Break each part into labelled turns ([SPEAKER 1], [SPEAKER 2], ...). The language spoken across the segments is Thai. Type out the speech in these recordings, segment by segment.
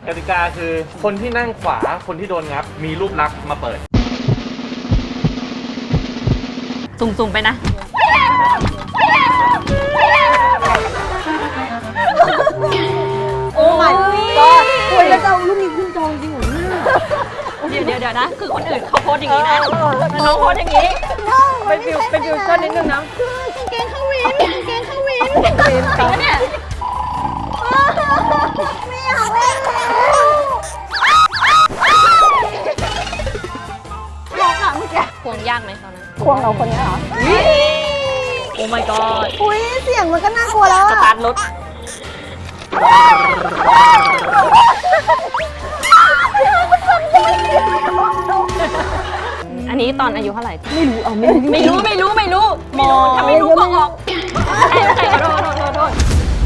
[SPEAKER 1] กติกาคือคนที่นั่งขวาคนที่โดนงับมีรูปลักษณ์มาเปิด
[SPEAKER 2] สุ่มๆไปนะโอ้ my god
[SPEAKER 3] คุยแล้วจะเอารูปนี้ขึ้นจองจริงเหรอเนี่ย
[SPEAKER 2] เดี๋ยวนะ คือคนอื่นเขาโพสอย่างนี้นะแต่น้องโพสอย่างนี้
[SPEAKER 3] เป็นฟิวชั่นนิดนึงนะ
[SPEAKER 4] กางเกงเข้าวินกางเกงเข้าวิน
[SPEAKER 2] จริงปะเนี่ย
[SPEAKER 4] ไม่อยากเล่นแล้วบอกค่ะเมื่อกี้
[SPEAKER 2] ควงยากไหมตอนนั้น
[SPEAKER 3] ควงเราคนนี้เหรอ
[SPEAKER 2] โอ้ my god
[SPEAKER 4] อุ้ยเสียงมันก็น่ากลัวแล้ว
[SPEAKER 2] ส
[SPEAKER 4] อะ
[SPEAKER 2] ตาร์ทรถอันนี้ตอนอายุเท่าไหร่
[SPEAKER 3] ไม่รู้เอาไม่รู้
[SPEAKER 2] ไม่รู้มอถ้าไม่รู้ก็ออกใช่ขอโทษ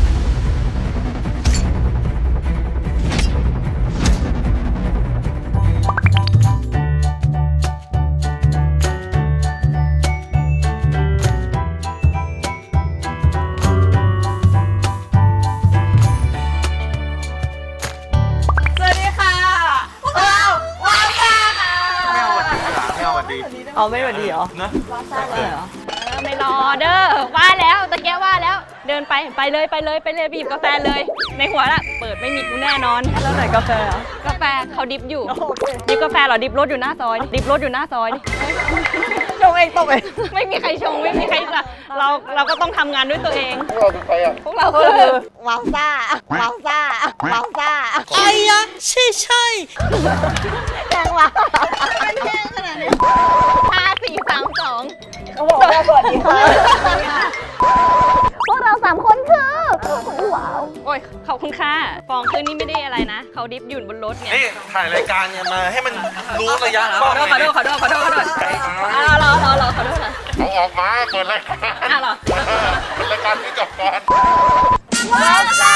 [SPEAKER 2] สวัสดีค่ะพวกเราว้าวค่ะ
[SPEAKER 1] ไม่เอาวันดี
[SPEAKER 3] เอาไม่หวัดดีเหรอ
[SPEAKER 1] นะ
[SPEAKER 2] ไม่รอเด้อว่าแล้วตะแกว่าแล้วเดินไปเลยไปหยิบกาแฟเลย ในหัวละเปิดไม่มีกูแน่นอน
[SPEAKER 3] แล้วไหนกาแฟอ่ะ
[SPEAKER 2] กาแฟเขาดิบอยู่ดิบกาแฟเหรอดิบรถอยู่หน้าซอยดิบรถอยู่หน้าซอย
[SPEAKER 3] จงเองตกเอง
[SPEAKER 2] ไม่มีใครชงไม่มีใครจะเราก็ต้องทำงานด้วยตัวเอง
[SPEAKER 1] พวกเราเป็นใครอ่ะ
[SPEAKER 2] พวกเราคือ
[SPEAKER 4] ว้าวซ่าว้าวซ่าว้าวซ่า
[SPEAKER 3] ไอ้ยะใช่
[SPEAKER 4] แรงว่ะมันแรงขนาดนี้
[SPEAKER 2] 5 4 3 2
[SPEAKER 3] เขาบอกว่าสวัสดีค่ะ
[SPEAKER 4] พวกเรา3 คนคือว้าว
[SPEAKER 2] โอ้ยขอบคุณค่ะฟองคือนี่ไม่ได้อะไรนะเขาดิบอยู่บนรถเนี่ย
[SPEAKER 1] นี่ถ่ายรายการเนี่ยมาให้มันรู้ระยะ
[SPEAKER 2] ขอโทษรอขอโทษขอโทษนะ
[SPEAKER 1] เอาออกมาเปิดรายการ
[SPEAKER 2] เหรอ
[SPEAKER 1] เป็นรายการที่จบก่อน
[SPEAKER 2] ว้าวจ้า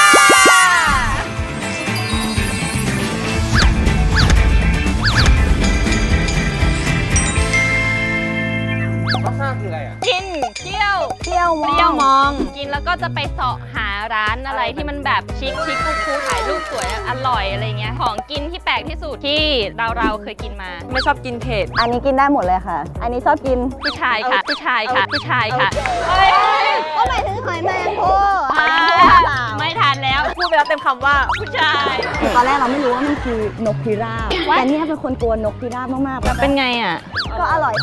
[SPEAKER 1] วัฒนาคืออะไรอ่ะ
[SPEAKER 2] กินเที่ยว
[SPEAKER 4] เที่ยว
[SPEAKER 2] เปรี้ยวมองกินแล้วก็จะไปเสาะหาร้านอะไรที่มันแบบชิคคูลๆถ่ายรูปสวยอร่อยอะไรเงี้ยของกินที่แปลกที่สุดที่เราเคยกินมา
[SPEAKER 3] ไม่ชอบกินเผ็ด
[SPEAKER 4] อันนี้กินได้หมดเลยค่ะ อันนี้ชอบกิน
[SPEAKER 2] ผู้ชายค่ะเฮ้ย
[SPEAKER 4] ก็หมายถึงหอยแมลงภู่
[SPEAKER 2] ไม่ทานแล้ว
[SPEAKER 3] พูดไปแล้วเต็มคำว่า
[SPEAKER 2] ผู้ชาย
[SPEAKER 4] ตอนแรกเราไม่รู้ว่ามันคือนกพิราบแต่เนี่ยเป็นคนกลัวนกพิราบมากๆ
[SPEAKER 2] เป็นไงอ่ะ
[SPEAKER 4] ก็อร่อย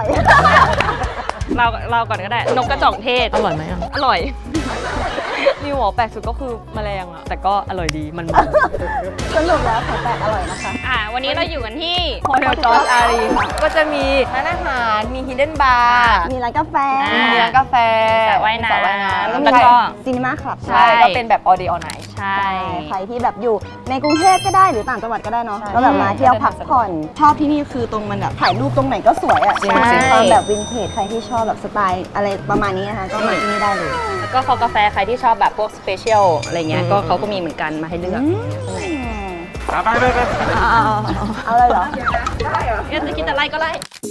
[SPEAKER 2] เราก่อนก็ได้นกกระจอกเทศ
[SPEAKER 3] อร่อยไหมอ่ะ
[SPEAKER 2] อร่อย
[SPEAKER 3] มีหัวแปลกสุดก็คือแมลงอ่ะ แต่ก็อร่อยดีมัน
[SPEAKER 4] สรุปแล้วของแปลกอร่อยนะคะ
[SPEAKER 2] วันนี้เราอยู่กันที่
[SPEAKER 3] โฮเทลจอร์จอารีค่ะก็จะมีร้านอาหารมีฮิดเด้นบาร์
[SPEAKER 4] มีร้านกาแฟ
[SPEAKER 3] มีร้านกาแฟ
[SPEAKER 2] สระว่ายน้
[SPEAKER 3] สระว่ายน้ำ
[SPEAKER 2] ำ
[SPEAKER 3] แล้ว
[SPEAKER 2] แล้วก็
[SPEAKER 4] ซีนีมาคลับ
[SPEAKER 3] ใช่ก็เป็นแบบ all day all night
[SPEAKER 2] ใช่
[SPEAKER 4] ใครที่แบบอยู่ในกรุงเทพก็ได้หรือต่างจังหวัดก็ได้เนาะ
[SPEAKER 3] ใช่
[SPEAKER 4] ก็แบบมาเที่ยวพักผ่อน ชอบที่นี่คือตรงมันแบบถ่ายรูปตรงไหนก็สวยอ่ะ
[SPEAKER 3] จริง
[SPEAKER 4] ใช่
[SPEAKER 3] ๆ
[SPEAKER 4] ความแบบวินเทจใครที่ชอบแบบสไตล์อะไรประมาณนี้นะคะก็มาที่นี่ได้เลย
[SPEAKER 2] แล้วก็กาแฟใครที่ชอบแบบพวกสเปเชียลอะไรเงี้ยก็เขาก็มีเหมือนกันมาให้เลือก
[SPEAKER 1] ไป
[SPEAKER 4] เอาเลยเหรอ
[SPEAKER 2] จะคิดอะไรก็ไล่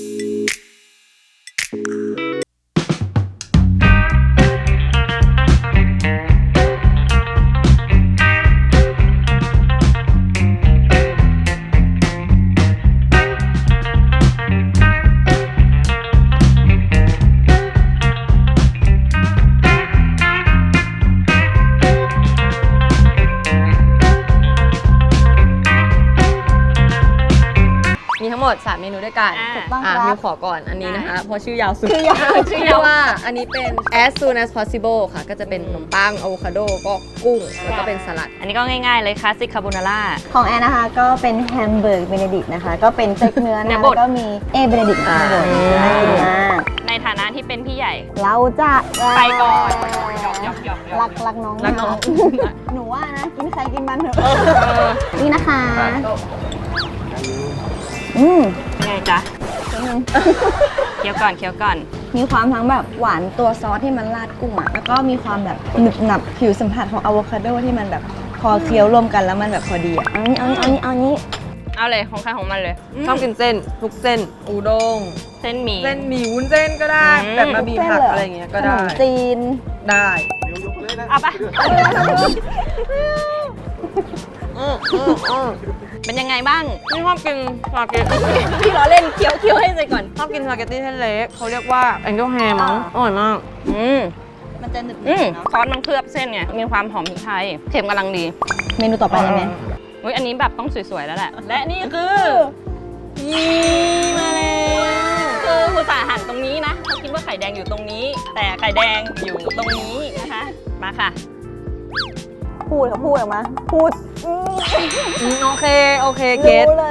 [SPEAKER 3] มีทั้งหมด 3 เมนูด้วยกัน
[SPEAKER 4] ถูกต้องครับ
[SPEAKER 3] มิวขอก่อนอันนี้นะคะ เพราะชื่อยาวสุด
[SPEAKER 4] ชื่อยาว
[SPEAKER 3] ชื่อว่าอันนี้เป็น as soon as possible ค่ะ ก็จะเป็นขนมปังอะโวคาโดก็กุ้ง แล้วก็เป็นสลัด
[SPEAKER 2] อันนี้ก็ง่ายๆเลยคลาสสิกคาโบนาร่า
[SPEAKER 4] ของแอนนะคะก็เป็นแฮมเบอร์กเบเนดิกนะคะ ก็เป็นสเต็กเนื้อ
[SPEAKER 2] เนื้
[SPEAKER 4] นะ
[SPEAKER 2] อบด
[SPEAKER 4] แล้วก็มีเบเนดิกข้างบนน่ากินมาก
[SPEAKER 2] ในฐานะที่เป็นพี่ใหญ่
[SPEAKER 4] เราจะ
[SPEAKER 2] ไปก่อน
[SPEAKER 4] รักน้อง
[SPEAKER 3] รักน้อง
[SPEAKER 4] หนูว่านะกินใครกินมันเถอะนี่นะคะ
[SPEAKER 2] ไงจ๊ะเคี้ยวก่อน
[SPEAKER 4] มีความทั้งแบบหวานตัวซอสที่มันราดกุ้งอ่ะแล้วก็มีความแบบหนึบหนับผิวสัมผัสของอะโวคาโดที่มันแบบพอเคี้ยวรวมกันแล้วมันแบบพอดีอ่ะเอานี้
[SPEAKER 2] เอาเลยของใครของมันเลย
[SPEAKER 3] ชอบกินเส้น ทุกเส้น อูด้ง
[SPEAKER 2] เส้นหมี่
[SPEAKER 3] เส้นหมี่วุ้นเส้นก็ได้ แบบมาบีผักอะไรอย่างเงี้ยก็
[SPEAKER 4] ขน
[SPEAKER 3] ได้
[SPEAKER 4] มจีน
[SPEAKER 3] ได้
[SPEAKER 2] เอาปะเป็นยังไงบ้าง
[SPEAKER 3] พี่ชอบกินสปาเกตตี้พี่ล้อเล่นเคี้ยวให้เสร็จก่อนชอบกินสปาเกตตี้เส้นเล็กเขาเรียกว่าแองเจิลแฮร์มั้งอร่อยมาก
[SPEAKER 4] มันจะหนึบ
[SPEAKER 2] อืม
[SPEAKER 4] เนาะ
[SPEAKER 2] ซอสมันเคลือบเส้นไงมีความหอมพริกไทยเค็มกำลังดี
[SPEAKER 4] เมนูต่อไปเลยไหม
[SPEAKER 2] อุ้ยอันนี้แบบต้องสวยๆแล้วแหละ และนี่คือมาแล้วคือผู้สาหันตรงนี้นะเขาคิดว่าไข่แดงอยู่ตรงนี้ แต่ไข่แดงอยู่ตรงนี้นะคะ มาค่ะ
[SPEAKER 4] พูดออกมา พูด
[SPEAKER 3] โอเคเก็ต
[SPEAKER 4] รู้เลย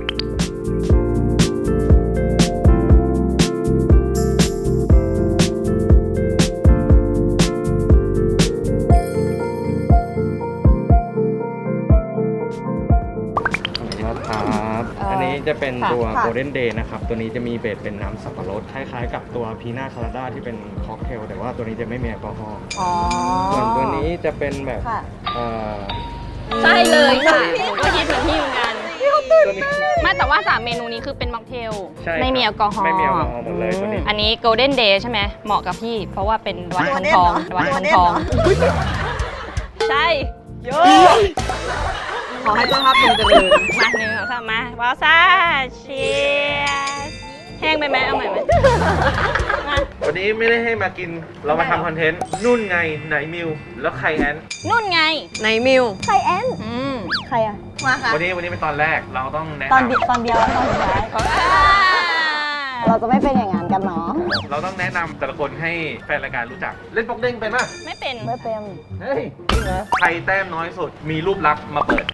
[SPEAKER 1] ครับ อันนี้จะเป็นตัว
[SPEAKER 4] ค่ะ
[SPEAKER 1] Golden Day นะครับ ตัวนี้จะมีเบสเป็นน้ำสับปะรดคล้ายๆกับตัวพีน่าคาราด้าที่เป็นค็อกเทลแต่ว่าตัวนี้จะไม่มีแอลกอฮอล์
[SPEAKER 4] อ๋อ
[SPEAKER 1] ส่วนตัวนี้จะเป็นแบบ
[SPEAKER 4] ค่ะ
[SPEAKER 1] เอ่อ
[SPEAKER 2] ใช่เลยค่ะผมก็คิดเหมือนพี่เหมือนกัน
[SPEAKER 1] ตัวนี้
[SPEAKER 2] ไม่แต่ว่า3เมนูนี้คือเป็นม็อกเทล
[SPEAKER 1] ใช่ครับ
[SPEAKER 2] ไม่มีแอลกอฮอล์
[SPEAKER 1] ไม่มีแอลกอฮอล์หมดเลยตัวนี้
[SPEAKER 2] อันนี้ Golden Day ใช่ไหมเหมาะกับพี่ เพราะว่าเป็นวันทองทองวันทองทองใช่โย
[SPEAKER 3] ขอให้เจ้าภาพเป็นเจริญ
[SPEAKER 2] มาหนึ่งสองสามมาว้าวซ่าเชียร์แห้งไปไหมเอาใหม่ไหมมา
[SPEAKER 1] วันนี้ไม่ได้ให้มากิน เรามาทำคอนเทนต์ นุ่นไงไหนมิว แล้วใครแอน
[SPEAKER 2] นุ่นไง
[SPEAKER 3] ในมิว
[SPEAKER 4] ใครแอน
[SPEAKER 2] อืม
[SPEAKER 4] ใครอะมาค่ะ
[SPEAKER 1] วันนี้เป็นตอนแรก เราต้องแนะ
[SPEAKER 4] ตอน
[SPEAKER 1] นำ
[SPEAKER 4] ตอนเดียวแล้วตอนสุดท้าย เราจะไม่เป็นอย่างนั้นกันเนาะ
[SPEAKER 1] เราต้องแนะนำแต่ละคนให้แฟนรายการรู้จัก เล่นป๊อกเด้งเป็นป่ะ
[SPEAKER 2] ไม่เป็น
[SPEAKER 4] ไม่เป็น
[SPEAKER 1] เฮ้ยจริงเหรอใครแต้มน้อยสุด มีรูปลักษณ์มาเปิด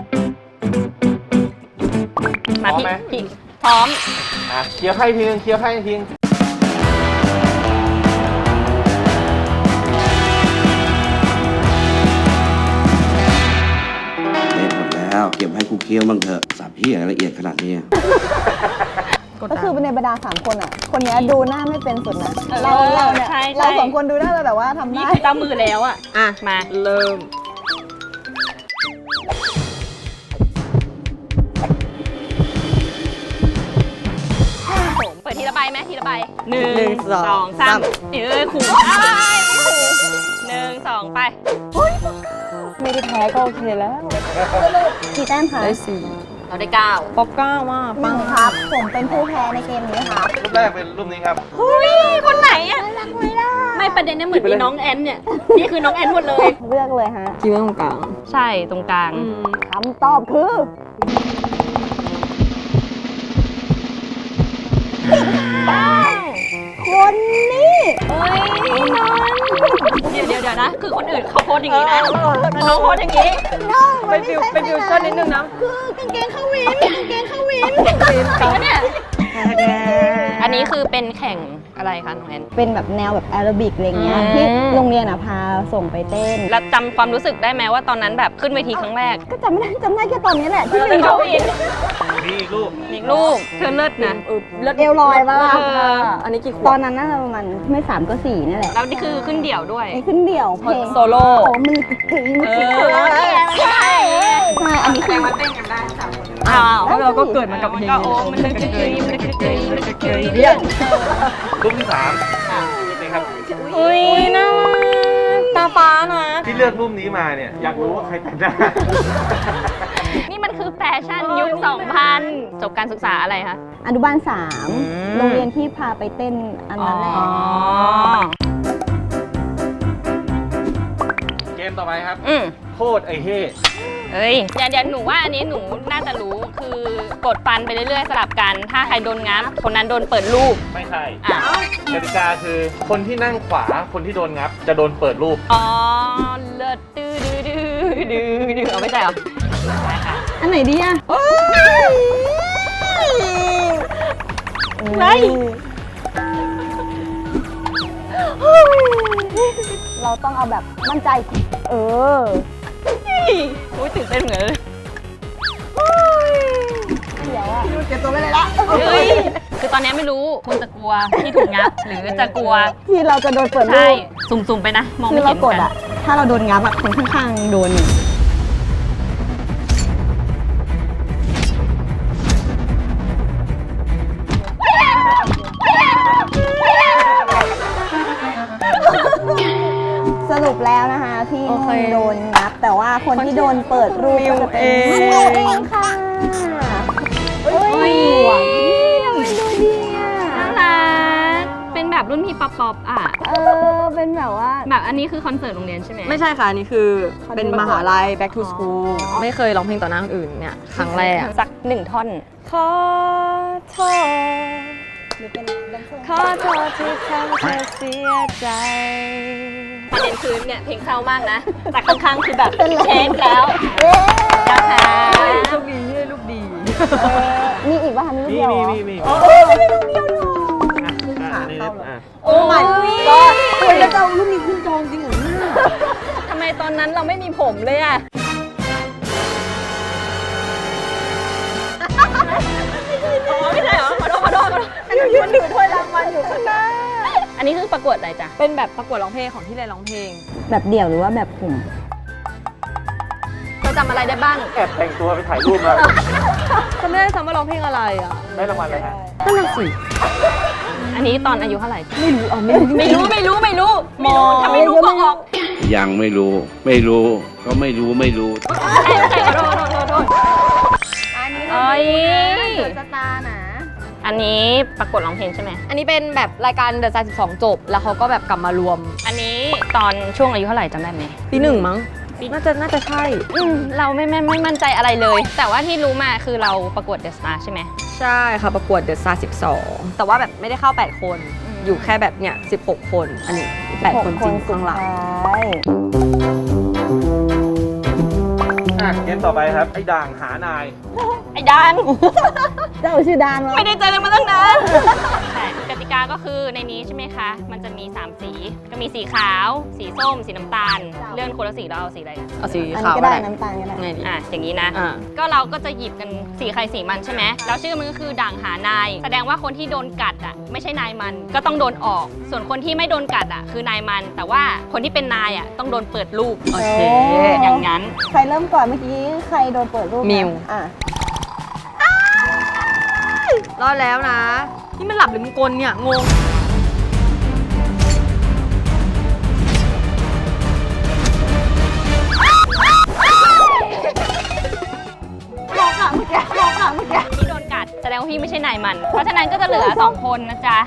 [SPEAKER 2] มา
[SPEAKER 1] พร้อมไหม
[SPEAKER 2] พี่พร้อม
[SPEAKER 1] เคลียร์ไพ่ทีนึงเคลียร์ไพ่ทีนึง
[SPEAKER 5] เล่นหมดแล้วเก็บให้กูเคี้ยวบ้างเถอะสับเพี้ยละเอียดขนาดนี้
[SPEAKER 4] ก็คือในบรรดา3คนอ่ะ คนเนี้ยดูหน้าไม่เป็นสุดนะ
[SPEAKER 2] เออ
[SPEAKER 4] เราเนี่ย
[SPEAKER 2] ใช่
[SPEAKER 4] เราสองคนดูหน้าเราแบบว่าทำ
[SPEAKER 2] นี่
[SPEAKER 4] ได้
[SPEAKER 2] คือเจ้ามือแล้วอ่ะ
[SPEAKER 3] อ่ะ
[SPEAKER 2] มา
[SPEAKER 3] เริ่ม
[SPEAKER 2] ผมเปิดทีละใบไหมทีละใบ
[SPEAKER 3] หนึ่งสอง
[SPEAKER 2] สา
[SPEAKER 3] สาม ม
[SPEAKER 2] ขู่อ้ายขู่หนึ่งสองไป
[SPEAKER 4] ไม่ได้แพ้ก็โอเคแล้วกี่แต้มคะ
[SPEAKER 3] ได้สี่
[SPEAKER 2] เราได้เก้า
[SPEAKER 3] ป๊อกก้าว่า
[SPEAKER 4] หนึ่งครับ ผมเป็นผู้แพ้ในเกมนี้ครับ
[SPEAKER 1] รูปแรกเป็นรูปนี้ครับ
[SPEAKER 2] เฮ้ย คนไหนอ่ะ
[SPEAKER 4] รักไม่ได้
[SPEAKER 2] ไม่ประเด็นเนี่ยเหมือนมีน้องแอนเนี่ย นี่คือน้องแอนหมดเลย
[SPEAKER 4] เลือกเลยฮะ
[SPEAKER 3] คิดว่าตรงกลาง
[SPEAKER 2] ใช่ตรงกลาง
[SPEAKER 4] คำตอบคือคนนี้
[SPEAKER 2] เฮ้ยน้องเดี๋ยวนะ คือคนอื่นเขาโพสอย่างนี้นะแต่น้องโพสอย่างนี้
[SPEAKER 3] เป็นฟิวชั่นนิดนึงนะ
[SPEAKER 4] คือกางเกงเข้าวินกางเกงเข้าวิน
[SPEAKER 2] จริงปะเนี่ย อันนี้คือเป็นแข่งอะไรคะน้องแอน
[SPEAKER 4] เป็นแบบแนวแบบแอโรบิกอะไรเงี้ย
[SPEAKER 2] อืม
[SPEAKER 4] ที่โรงเรียนอ่ะพาส่งไปเต้น
[SPEAKER 2] แล้วจำความรู้สึกได้ไหมว่าตอนนั้นแบบขึ้นเวทีครั้งแรก
[SPEAKER 4] ก็จำไม่ได้แค่ตอนนี้แหละที่
[SPEAKER 2] เป็
[SPEAKER 4] เป็น น
[SPEAKER 2] เขาอิน
[SPEAKER 1] นี่อีกรูป
[SPEAKER 2] อีกลูกเธอเลิศนะ
[SPEAKER 4] เอวลอยมาก
[SPEAKER 3] อันนี้กี่ขว
[SPEAKER 4] ต
[SPEAKER 3] บ
[SPEAKER 4] อนนั้นน่าจะประมาณไม่3ก็4นี่แหละ
[SPEAKER 2] แล้วนี่คือขึ้นเดี่ยวด้วย
[SPEAKER 4] นี่ขึ้นเดี่ยวเพลง
[SPEAKER 3] โซโล่
[SPEAKER 4] โอ้มือถึงมือถึง
[SPEAKER 2] ใช่
[SPEAKER 4] ใช่อันนี้คือ
[SPEAKER 2] อ้าว
[SPEAKER 3] เพราะเราก็เกิดมากับเพลง
[SPEAKER 2] ก็โอ้มันเลยกระเกยมันเลยกระเกยมันเลยกระเกย
[SPEAKER 3] เรียก
[SPEAKER 1] รูปที่สามนี่ครับ
[SPEAKER 2] อุ้ยน่ารัก
[SPEAKER 3] ตาฟ้านะ
[SPEAKER 1] ที่เลือกรูปนี้มาเนี่ย อยากรู้ว่าใครแต่งหน้า
[SPEAKER 2] นี่มันคือแฟชั่นยุค 2000 จบการศึกษาอะไรคะ
[SPEAKER 4] อนุบาล3โรงเรียนที่พาไปเต้นอันนั้นแหละ
[SPEAKER 1] เกมต่อไปครับ
[SPEAKER 2] อืม
[SPEAKER 1] โคตรไอ้เฮ่
[SPEAKER 2] เฮ้ยเดี๋ยวหนูว่าอันนี้หนูน่าจะรู้คือกดฟันไปเรื่อยๆสลับกัน ถ้าใครโดนงับ คนนั้นโดนเปิดรูป
[SPEAKER 1] ไม่ใช่
[SPEAKER 2] อ่ะ
[SPEAKER 1] กติกาคือคนที่นั่งขวาคนที่โดนงับ จะโดนเปิดรูป
[SPEAKER 2] อ๋อ เลิศดื้อดื้อดื้อดื้อเอาไม่ใช่เหรอได้ค่ะ
[SPEAKER 4] อันไหนดีอ่ะ
[SPEAKER 2] ไม่
[SPEAKER 4] เราต้องเอาแบบมั่นใจ เออ
[SPEAKER 2] อุ้ยตื่นเต้นเหมือนเลย
[SPEAKER 4] เดี๋ยวอ่ะเก็บตัวไม่เลยละ
[SPEAKER 2] เฮ้ยคือตอนนี้ไม่รู้คุณจะกลัวที่ถูกงับ หรือจะกลัว
[SPEAKER 4] ที่เราจะโดนเปิดรู
[SPEAKER 2] ใช่
[SPEAKER 4] ป
[SPEAKER 2] สุ่มๆไปนะ มอง
[SPEAKER 4] คื
[SPEAKER 2] ไม่
[SPEAKER 4] อเรา
[SPEAKER 2] เห็น
[SPEAKER 4] กด
[SPEAKER 2] กัน
[SPEAKER 4] อ่ะ ถ้าเราโดนงับอ่ะคนข้างๆโดนอยู่สรุปแล้วนะคะพี่
[SPEAKER 3] โอเค
[SPEAKER 4] โดนงับ แต่ว่าคนคนที่โดนเปิดรูปก็จะเป็นมิวเองค่ะเฮ้ยหวานดูดีอ่ะ
[SPEAKER 2] น่ารักเป็นแบบรุ่นพี่ป๊อปอ่ะ
[SPEAKER 4] เป็นแบบว่า
[SPEAKER 2] แบบอันนี้คือคอนเสิร์ตโรงเรียนใช่ไหม
[SPEAKER 3] ไม่ใช่ค่ะอันนี้คือเป็นมหาลัย back to school ไม่เคยร้องเพลงต่อหน้าคนอื่นเนี่ยครั้งแรก
[SPEAKER 2] สัก1 ท่อน
[SPEAKER 3] ขอโทษขอโทษที่ทำเธอเสียใจ
[SPEAKER 2] ประเด็นคือเนี่ยเพลงเศร้ามากนะ แต่ข้างๆคือแบบเช็คแล้วนะคะ
[SPEAKER 3] ลูกดีให้ลูกดี
[SPEAKER 4] มีอีกป่ะคะมีรูปเดียวเหรอ
[SPEAKER 1] มี
[SPEAKER 4] โอ้
[SPEAKER 2] โอ้
[SPEAKER 4] my god เฮ้ยแล้วจะเอารูปนี้ขึ้นจองจริงเหรอเนี่ย
[SPEAKER 2] ทำไมตอนนั้นเราไม่มีผมเลยอ่ะไม่ใช่เหรอขอโทษ
[SPEAKER 4] มันถือถ้วยรางวัลอยู่ข้างหน้า
[SPEAKER 2] อันนี้คือประกวดอะไรจ๊ะ
[SPEAKER 3] เป็นแบบประกวดร้องเพลงของที่เรียนร้องเพลง
[SPEAKER 4] แบบเดี่ยวหรือว่าแบบกลุ่ม
[SPEAKER 2] เธอจำอะไรได้บ้าง
[SPEAKER 1] แอบแต่งตัวไปถ่ายรูปมา
[SPEAKER 3] จำไม่ได้ซ้ำว่าร้องเพลงอะไรอ่ะ
[SPEAKER 1] ได้รางวัลอะไรฮะ
[SPEAKER 3] นั่นน่ะสิ
[SPEAKER 2] อันนี้ตอนอายุเท่าไหร่
[SPEAKER 3] ไม่รู้เอาไม่รู้
[SPEAKER 2] ไม่รู้ถ้าไม่รู้ก็ออก
[SPEAKER 5] ยังไม่รู้ ไม่รู้ ก็ไม่รู้ ไม่รู้
[SPEAKER 2] ใช่ขอโทษ
[SPEAKER 4] อันนี้
[SPEAKER 2] เอ้ย
[SPEAKER 4] สตาร์นะ
[SPEAKER 2] อันนี้ประกวดร้องเพลงใช่ไหม
[SPEAKER 3] อันนี้เป็นแบบรายการ The Star 12 จบ แล้วเขาก็แบบกลับมารวม
[SPEAKER 2] อันนี้ตอนช่วงอายุเท่าไหร่จำได้ไหม
[SPEAKER 3] ปีหนึ่งมั้ง น่าจะใช่
[SPEAKER 2] เราไม่มั่นใจอะไรเลย แต่ว่าที่รู้มาคือเราประกวดเดอะสตาร์ใช่ไหม
[SPEAKER 3] ใช่ค่ะประกวด The Star 12 แต่ว่าแบบไม่ได้เข้า 8 คน อยู่แค่แบบเนี่ย16 คน อันนี้ 8 คนจริงข้างหลัง
[SPEAKER 1] เกมต่อไปครับ ไอ้ด่างหานาย
[SPEAKER 2] ไอ้ดัง
[SPEAKER 4] เจ้าชื่อดานวะ
[SPEAKER 2] ไม่ได้เจอกันมาตั้งนานใช่กติกาก็คือในนี้ใช่ไหมคะ มันจะมี 3 สี ก็มีสีขาว สีส้ม สีน้ำตาล เลื่อนคนละสีเราเอาสีอะไรกัน
[SPEAKER 3] เอาสี
[SPEAKER 4] อัน
[SPEAKER 3] ขา
[SPEAKER 4] นี้
[SPEAKER 3] ว
[SPEAKER 4] ก็ได้น้ำตาลก็ได้
[SPEAKER 3] ไงดี
[SPEAKER 2] อย่างนี้นะ
[SPEAKER 3] อ่า
[SPEAKER 2] ก็เราก็จะหยิบกันสีใครสีมันใช่ไหมแล้วชื่อมันก็คือด่างหานาย แสดงว่าคนที่โดนกัดอ่ะไม่ใช่นายมัน ก็ต้องโดนออก ส่วนคนที่ไม่โดนกัดอ่ะคือนายมัน แต่ว่าคนที่เป็นนายอ่ะต้องโดนเปิดรูป
[SPEAKER 3] โอเค
[SPEAKER 2] อย่างนั้น
[SPEAKER 4] ใครเริ่มก่อนเมื่อกี้ใครโดนเปิดรูปนะ
[SPEAKER 3] มิว
[SPEAKER 4] อ่ะ
[SPEAKER 3] รอดแล้วนะ นี่มันหลับหรือมันกลเนี่ย งง
[SPEAKER 2] ที่โดนกัดแสดงว่าพี่ไม่ใช่นายมัน เพราะฉะนั้นก็จะเหลือ 2 คนนะจ๊ะ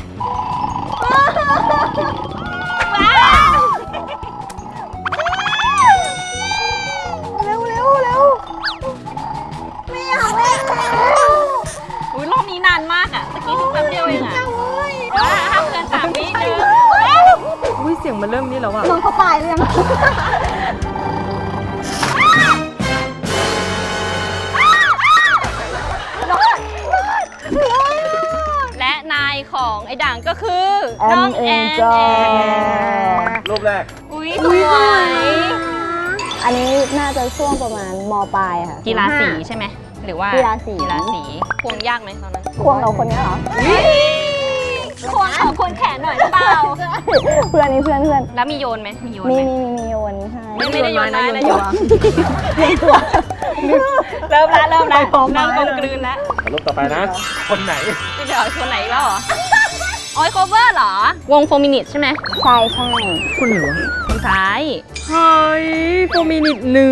[SPEAKER 2] ว้าว
[SPEAKER 4] เร็วไม่อยากเล่นแล้ว
[SPEAKER 2] อุ๊ยรอบนี้นานมากอ่ะตะกี้ถึงแป๊บเดียวเองอ่ะห้ามเกิน3 วินึง
[SPEAKER 3] อุ้ยเสียงมันเริ่มนี่แล้วอะ
[SPEAKER 4] น้องเขาตายหรือยัง
[SPEAKER 2] และนายของไอ้ด่างก็คือน้องแอน
[SPEAKER 1] รูปแรก
[SPEAKER 2] อุ้ยสวย
[SPEAKER 4] อันนี้น่าจะช่วงประมาณมปลายค่ะ
[SPEAKER 2] กีฬาสีใช่ไหมหรือว่า
[SPEAKER 4] กีฬาสี
[SPEAKER 2] ควงยากไหมตอนนั้น
[SPEAKER 4] ควงเราคนนี้เหรอ
[SPEAKER 2] ควงควงแขนหน่อยหรือเปล่า
[SPEAKER 4] เพื่อนนี่เพื่อน
[SPEAKER 2] แล้วมีโยนไหมมีโยน
[SPEAKER 4] มี
[SPEAKER 2] ไหม
[SPEAKER 4] มีโยนให้
[SPEAKER 2] ไม่ได้โยนไม้นะโยน
[SPEAKER 4] ตัว
[SPEAKER 2] เริ่มแล้วเริ่มกลมกลืนแล้ว
[SPEAKER 1] รูปต่อไปนะ คนไหน
[SPEAKER 2] เดี๋ยวคนไหนอีกแล้วเหรอออยโคเวอร์เหรอ วงโฟมินิตใช่ไหม
[SPEAKER 4] ใช่
[SPEAKER 3] คุณเหรอ
[SPEAKER 2] คนซ้าย
[SPEAKER 3] เฮ้ยโฟมินิต1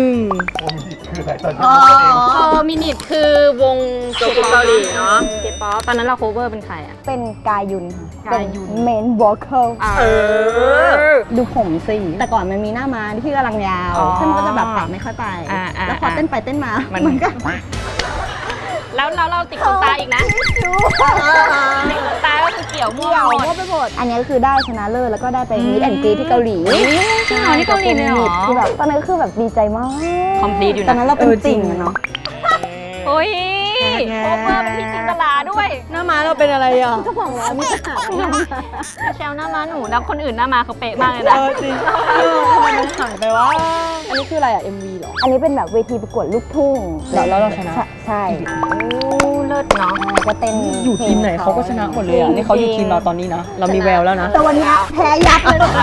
[SPEAKER 2] โฟมินิตคือวง
[SPEAKER 3] เกาหลีเนอะ
[SPEAKER 2] เคป๊อปตอนนั้นเราโคเวอร์เป็นใครอ่ะ
[SPEAKER 4] เป็นกายุนค่ะ
[SPEAKER 2] กายุน
[SPEAKER 4] เมนวอลเคิล
[SPEAKER 3] เออ
[SPEAKER 4] ดูผมสิแต่ก่อนมันมีหน้าม้าที่กำลังยาว
[SPEAKER 3] อ๋อ
[SPEAKER 4] ซึ่งมันก็จะแบบตัดไม่ค่อยไป แล้วพอเต้นไปเต้นมา มันก็
[SPEAKER 2] แล้วเราติดขนตาอีกนะติดขนตาก็คือเกี่ยวมั่ว
[SPEAKER 4] เดี่ยว
[SPEAKER 2] หมด
[SPEAKER 4] มั่วไปหมดอันนี้ก็คือได้ชนะเลิศแล้วก็ได้ไปมิดแอนด์กรีที่เกาหลี
[SPEAKER 2] จริงเหรอนี่เกาหลีเลยเหรอ
[SPEAKER 4] คือแบบตอนนั้นก็คือแบบดีใจมาก
[SPEAKER 2] Complete อยู่นะ
[SPEAKER 4] ตอนนั้นเราเป็นติ่งอะเนาะ
[SPEAKER 2] โอ้ยโคเวอร์เป็นพี่จินตลาด้วย
[SPEAKER 3] หน้าม้าเราเป็นอะไรอ่ะ
[SPEAKER 4] ก็บอกแล้วมีปัญหา
[SPEAKER 2] แชลหน้ามาหนูแล้วคนอื่นหน้ามาเขาเป๊ะมากเลยนะ
[SPEAKER 3] จริงทำไมมันหายไปวะ อันนี้คืออะไรอ่ะ MV เหรอ
[SPEAKER 4] อันนี้เป็นแบบเวทีประกวดลูกทุ่ง
[SPEAKER 3] แล้วเราชนะ
[SPEAKER 4] ใช่
[SPEAKER 2] เลิศเนาะ
[SPEAKER 4] ก็เต้น
[SPEAKER 3] อยู่ทีมไหนเขาก็ชนะหมดเลยอ่ะ นี่เขาอยู่ทีมเราตอนนี้นะ เรามีแววแล้วนะ
[SPEAKER 4] แต่วันนี้แพ้ยับเลยนะ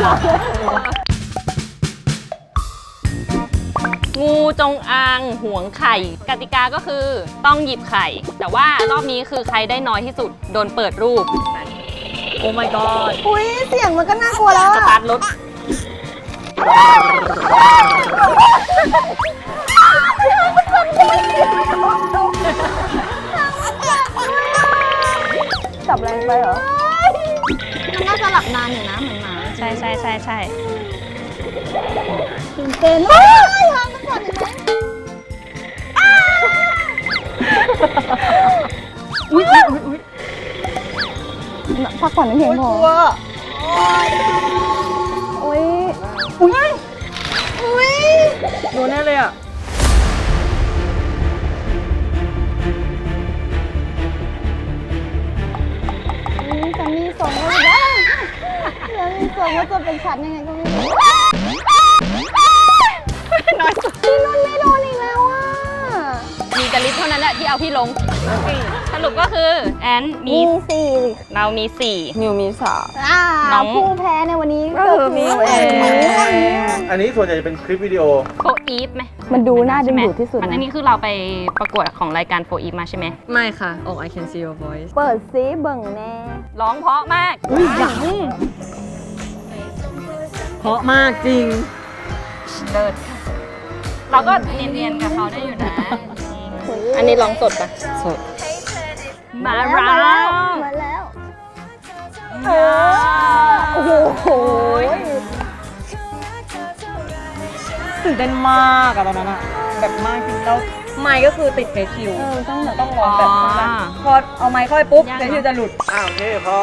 [SPEAKER 2] งูจงอางหวงไข่ กติกาก็คือต้องหยิบไข่ แต่ว่ารอบนี้คือใครได้น้อยที่สุดโดนเปิดรูป
[SPEAKER 3] โอ้ my god
[SPEAKER 4] อุ้ยเสียงมันก็น่ากลัวแล้ว
[SPEAKER 2] ส
[SPEAKER 4] อะ
[SPEAKER 2] ตาร์ทรถ
[SPEAKER 4] จับแรงไปเหรอ มันน่าจะหลับนานอยู่นะเหมือนหมา
[SPEAKER 2] ใช่ใช่ใช่ใช่
[SPEAKER 4] ตื่นเต้นมากทางมันก่อนเห็นไหมอุ้ยพักผ่อนให้เพียงพอโอ้ยอุ้ยอุ้ย
[SPEAKER 3] โดนแน่เลยอ่ะ
[SPEAKER 4] จะมีส่งแล้วนะจะมีส่งว่าจะเป็นฉันยังไงก็ไม่รู้
[SPEAKER 2] น้อยสุด
[SPEAKER 4] พี่นุ่นไม่โดนอีกแล้วอ่ะ
[SPEAKER 2] มีแต่ลิฟต์เท่านั้นแหละที่เอาพี่ลง สรุปก็คือแอนมี
[SPEAKER 4] มีสี่
[SPEAKER 2] เรามี
[SPEAKER 3] มิวมีสา
[SPEAKER 2] น้อง
[SPEAKER 4] ผู้แพ้ในวันนี้
[SPEAKER 3] ก็คือมิวเอง
[SPEAKER 6] อันนี้ส่วนใหญ่จะเป็นคลิปวิดีโอ
[SPEAKER 2] โฟอีฟไหม
[SPEAKER 4] มันดูน่าดึงดูดที่สุด
[SPEAKER 2] อัน
[SPEAKER 4] นะ
[SPEAKER 2] นี้คือเราไปประกวดของรายการโฟอีฟมาใช่ไหม
[SPEAKER 3] ไม่ค่ะออก I can see your voice
[SPEAKER 4] เปิดซิเบิ่งแน่
[SPEAKER 2] ร้องเพราะมาก
[SPEAKER 3] เพราะมากจริง
[SPEAKER 2] เลิศเราก็เนียนๆกับเขาได้อยู่นะ อันนี้ร้องสดปะ
[SPEAKER 3] สด
[SPEAKER 2] มาแล้ว
[SPEAKER 4] มาแล้ว
[SPEAKER 2] เออ
[SPEAKER 4] โอ้โห
[SPEAKER 3] ตื่นเต้นมากอะตอนนั้นอะแบบมากจริงแล้วไมค์ก็คือติดเฟซชิล ต้องร้องแบบพอเอาไมค์เข้าไปปุ๊บเฟซชิลจะหลุด
[SPEAKER 6] โอเคพอ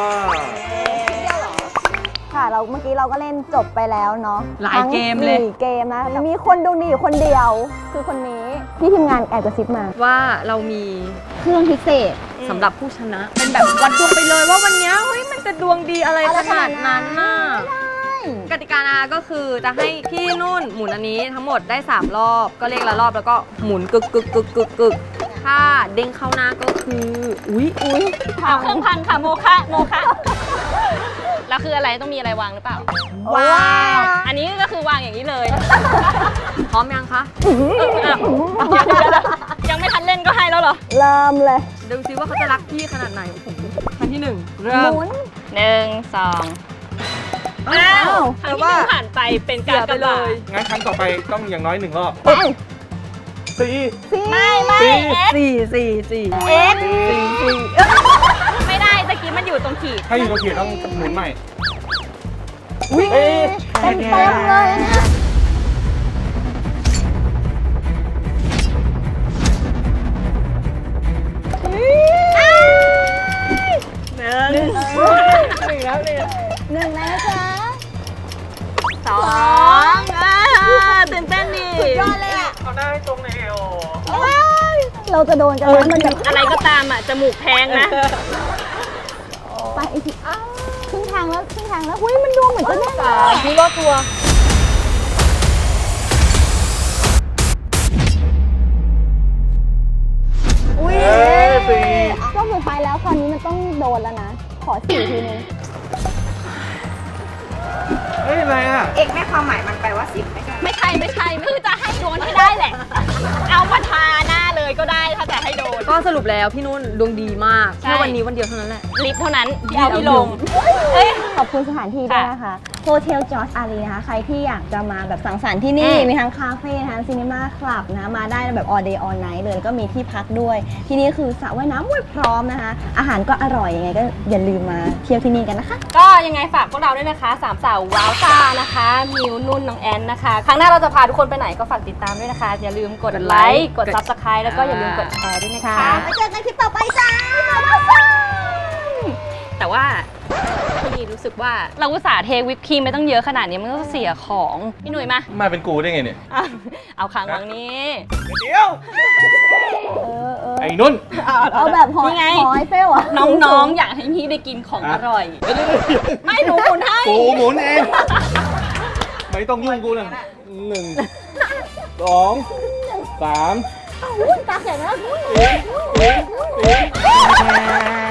[SPEAKER 4] ค่ะเราเมื่อกี้เราก็เล่นจบไปแล้วเนาะ
[SPEAKER 3] หลายเกมเลย
[SPEAKER 4] ทั้ง4เกมนะมีคนดูดีอยู่คนเดียว คือคนนี้พี่ทีมงานแอบกระซิบมา
[SPEAKER 3] ว่าเรามี
[SPEAKER 4] เครื่องพิเศษ
[SPEAKER 3] สำหรับผู้ชนะ เป็นแบบวัดดวงไปเลยว่าวันเนี้ยเฮ้ยมันจะดวงดีอะไรขนาดนั้นน่ะกติกานะก็คือจะให้พี่นุ่นหมุนอันนี้ทั้งหมดได้ 3 รอบก็เลขละรอบแล้วก็หมุนกึกกึกกึกกึกกึกถ้าเด้งเข้าหน้าก็คืออุ๊ย
[SPEAKER 2] เอาเครื่องพังค่ะโมคะโมคะแล้วคืออะไรต้องมีอะไรวางหรือเปล่า
[SPEAKER 4] ว้าว
[SPEAKER 2] อันนี้ก็คือวางอย่างนี้เลย
[SPEAKER 3] พร้อมยังคะ
[SPEAKER 2] ยังไม่ทันเล่นก็ให้แล้วเหรอ
[SPEAKER 4] เริ่มเลย
[SPEAKER 3] ดูซิว่าเขาจะรักพี่ขนาดไหนโอ้โหครั้งที่ 1
[SPEAKER 4] ห
[SPEAKER 3] เริ่ม
[SPEAKER 4] มุน
[SPEAKER 2] 1 2อ้าวครั้งที่หนึ่งผ่านไปเป็นการกระบาด
[SPEAKER 6] งั้นครั้งต่อไปต้องอย่างน้อย1 รอบ
[SPEAKER 4] ไป
[SPEAKER 6] สี่
[SPEAKER 2] ไม่
[SPEAKER 3] 4
[SPEAKER 2] เอ็กไม่ได้ตะกี้มันอยู่ตรงขีด
[SPEAKER 6] ถ้าอยู่ตรงเขียนต้องหมุนใหม่
[SPEAKER 4] เต็มเลยอันเนี้ย
[SPEAKER 2] หนึ่ง
[SPEAKER 4] หนึ่งแล้วนะจ๊ะ
[SPEAKER 2] สองตื่นเต้นดิ
[SPEAKER 4] ยอดเลยอ่ะ
[SPEAKER 6] เอาหน้าให้ตรงเลยโอ
[SPEAKER 4] เราจะโดนกันแล้วมันแบบ
[SPEAKER 2] อะไรก็ตามอ่ะจมูกแพงนะ
[SPEAKER 4] ไปอีกทีครึ่งทางแล้วหุ้ยมันดูเหมือนจะแน่นเลย
[SPEAKER 3] พี่รอดตัว
[SPEAKER 4] อุ้ย
[SPEAKER 6] สี่
[SPEAKER 4] รอบสุดท้ายแล้วคราวนี้มันต้องโดนแล้วนะ ขอ4ทีนึง
[SPEAKER 6] เฮ้ยอะไรอ่ะ
[SPEAKER 2] ไม่ใช่คือจะให้โดนให้ได้แหละ เอามาทาหน้าเลยก็ได้ถ้าจะให้โดน
[SPEAKER 3] ก็สรุปแล้วพี่นุ่นดวงดีมาก
[SPEAKER 2] ใช่
[SPEAKER 3] แค่วันนี้วันเดียวเท่านั้นแหละ
[SPEAKER 2] ลิฟต์เท่านั้นที่เอาพี่ลง
[SPEAKER 4] ขอบคุณสถานที่ด้วยนะคะโฮเทลจอร์จอารีนะคะ ใครที่อยากจะมาแบบสังสรรค์ที่นี่ มีทั้งคาเฟ่ทั้งซีนีมาคลับนะมาได้แบบ all day all night เลยแล้วก็มีที่พักด้วย ที่นี่คือสระว่ายน้ำพร้อมนะคะ อาหารก็อร่อยยังไงก็อย่าลืมมาเที่ยวที่นี่กันนะคะ
[SPEAKER 2] ก็ยังไงฝากพวกเราด้วยนะคะสามสาวว้าวซ่านะคะมิวนุ่นน้องแอนนะคะ ครั้งหน้าเราจะพาทุกคนไปไหนก็ฝากติดตามด้วยนะคะ อย่าลืมกดไลค์กด subscribe แล้วก็อย่าลืมกดแชร์ด้วยนะคะ
[SPEAKER 4] ไปเจอกันคลิปต่อไปจ้า
[SPEAKER 2] แต่ว่าพี่รู้สึกว่าเราอุตส่าห์เทวิปครีมไม่ต้องเยอะขนาดนี้มันก็เสียของพี่หนุ่ยมา
[SPEAKER 6] มาเป็นกูได้ไงเนี่ย
[SPEAKER 2] อ่ะเอาค้างวางนี้
[SPEAKER 6] เดี๋ยว ไอ้นุ่น
[SPEAKER 4] เอาแบบหอย
[SPEAKER 2] นี่ไง
[SPEAKER 4] หอยเฟลอ่ะ
[SPEAKER 2] น้องๆอยากให้พี่ได้กินของอร่อย ไม่หนูหมุนให้
[SPEAKER 6] กูหมุนเอง ไม่ต้องยุ่งกูเลย1 2 3
[SPEAKER 4] ตาแข็งแล้ว
[SPEAKER 6] 4